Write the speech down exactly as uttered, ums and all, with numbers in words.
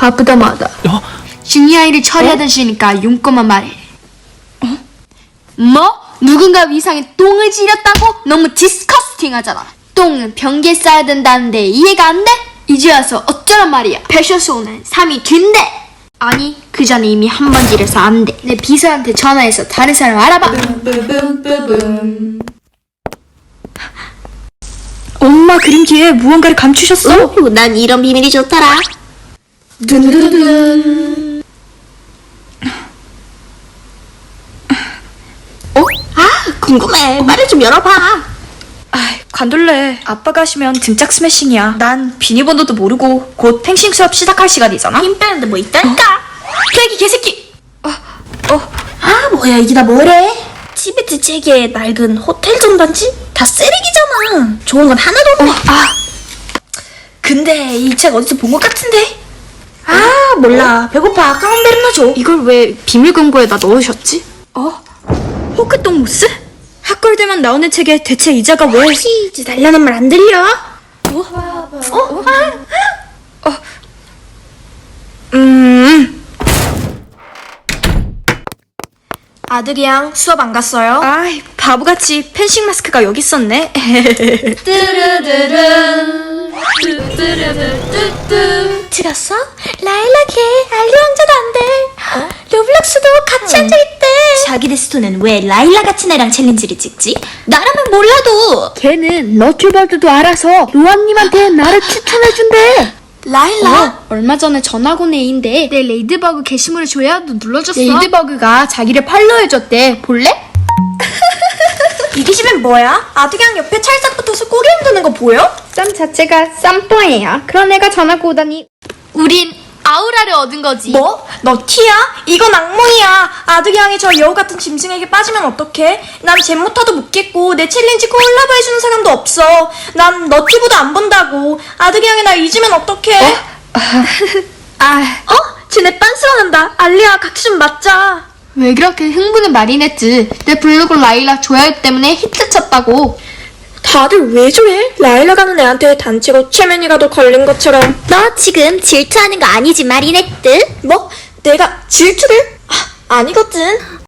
바쁘다마다. 어? 중요한 일을 처리하던 중이니까 용건만 말해. 어? 뭐? 누군가 위상에 똥을 지렸다고? 너무 디스커스팅하잖아. 똥은 변기에 싸야 된다는데 이해가 안 돼? 이제 와서 어쩌란 말이야. 패션쇼는 삼 위 뒤인데. 아니, 그 전에 이미 한 번 지려서 안 돼. 내 비서한테 전화해서 다른 사람 알아봐. 엄마 그림기에 무언가를 감추셨어? 오, 난 이런 비밀이 좋더라. 둔둔둔. 어? 아, 궁금해. 말을 좀 열어봐. 아, 관둘래. 아빠가 하시면 등짝 스매싱이야. 난 비밀번호도 모르고 곧 펜싱 수업 시작할 시간이잖아. 힘 빼는데 뭐 있다니까. 플래기 개새끼. 어, 어. 아, 뭐야, 이게 다 뭐래? 티베트 책에 낡은 호텔 전단지? 다 쓰레기잖아. 좋은 건 하나도 없네. 어, 아. 근데 이 책 어디서 본 것 같은데? 아, 몰라. 배고파. 카운베르나 줘. 이걸 왜 비밀 금고에다 넣으셨지? 어? 호크똥 무스? 학골대만 나오는 책에 대체 이자가 왜? 치즈 달라는 말 안 들려? 어? 어? 어? 음. 아들이랑 수업 안 갔어요? 아이, 바보같이 펜싱 마스크가 여기 있었네. 들었어? 라일락해. 알리 왕자도 안 돼. 어? 로블록스도 같이 앉아있대. 자기 데스토는 왜 라일라 같은 애랑 챌린지를 찍지? 나라면 몰라도. 걔는 너튜버들도 알아서 로아님한테 나를 추천해준대. 라일라? 어, 얼마 전에 전학 온 애인데 내 레이드버그 게시물을 줘야 너 눌러줬어. 레이드버그가 자기를 팔로우해줬대. 볼래? 이기심엔 뭐야? 아드강 옆에 찰싹 붙어서 꼬리 흔드는 거 보여? 쌈 자체가 쌈뽕이야. 그런 애가 전학 오다니. 우린 아우라를 얻은 거지. 뭐? 너 티야? 이건 악몽이야. 아드강이 저 여우 같은 짐승에게 빠지면 어떡해? 난 잼모타도 못 겠고 내 챌린지 콜라보 해주는 사람도 없어. 난 너튜브도 안 본다고. 아드강이 날 잊으면 어떡해? 아, 어? 쟤네 빤스러난다. 알리야, 같이 좀 맞자. 왜 그렇게 흥분은 마리네트. 내 블로그 라일락 좋아요 때문에 히트 쳤다고. 다들 왜 좋아해? 라일라 가는 애한테 단체로 체면이라도 걸린 것처럼. 너 지금 질투하는 거 아니지, 마리네트? 뭐? 내가 질투를? 아, 아니거든.